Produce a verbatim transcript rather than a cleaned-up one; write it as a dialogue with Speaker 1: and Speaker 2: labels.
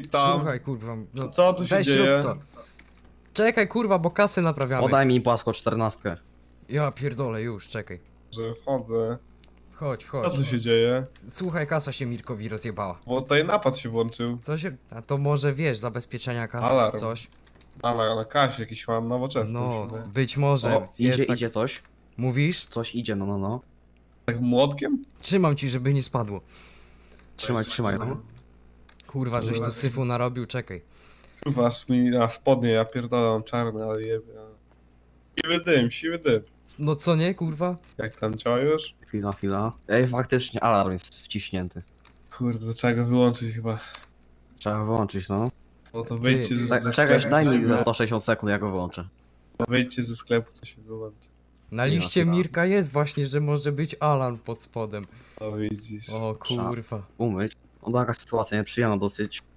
Speaker 1: ich tam.
Speaker 2: Słuchaj, kurwa, no,
Speaker 1: Co tu się
Speaker 2: weź
Speaker 1: dzieje?
Speaker 2: rób to. Czekaj, kurwa, bo kasy naprawiamy.
Speaker 3: Podaj mi płasko czternastkę.
Speaker 2: Ja pierdolę, już, czekaj.
Speaker 1: Że wchodzę.
Speaker 2: Wchodź,
Speaker 1: Co
Speaker 2: wchodź.
Speaker 1: tu się dzieje?
Speaker 2: Słuchaj, kasa się Mirkowi rozjebała.
Speaker 1: Bo tutaj napad się włączył.
Speaker 2: Co się... A to może, wiesz, zabezpieczenia kasy
Speaker 1: Alarm.
Speaker 2: czy coś?
Speaker 1: A na, na kasie jakiś mam nowoczesny.
Speaker 2: No,
Speaker 1: No.
Speaker 2: być może.
Speaker 1: O,
Speaker 3: Idzie,
Speaker 2: jest tak...
Speaker 3: idzie coś.
Speaker 2: Mówisz?
Speaker 3: Coś idzie, no, no, no.
Speaker 1: Tak młotkiem?
Speaker 2: Trzymam ci, żeby nie spadło.
Speaker 3: Trzymaj, trzymaj, no.
Speaker 2: Kurwa, żeś tu syfu narobił, czekaj.
Speaker 1: Czuwasz mi na spodnie, ja pierdolę, mam czarne, ale jebie. Siwy dym, siwy dym.
Speaker 2: No co nie, kurwa?
Speaker 1: Jak tam działa już?
Speaker 3: Chwila, chwila. Ej, faktycznie alarm jest wciśnięty.
Speaker 1: Kurde, to trzeba go wyłączyć chyba.
Speaker 3: Trzeba wyłączyć, no.
Speaker 1: No to wyjdźcie ze,
Speaker 3: Tak,
Speaker 1: ze
Speaker 3: czekaj,
Speaker 1: sklepu.
Speaker 3: daj
Speaker 1: to
Speaker 3: mi
Speaker 1: się
Speaker 3: za
Speaker 1: wy-
Speaker 3: sto sześćdziesiąt sekund, ja go wyłączę.
Speaker 1: Wyjdźcie ze sklepu, to się wyłączy.
Speaker 2: Na
Speaker 3: Nie ma
Speaker 2: liście
Speaker 3: chyba.
Speaker 2: Mirka jest właśnie, że może być alarm pod spodem.
Speaker 1: No widzisz.
Speaker 2: O kurwa.
Speaker 3: Umyć. No taka sytuacja nieprzyjemna dosyć.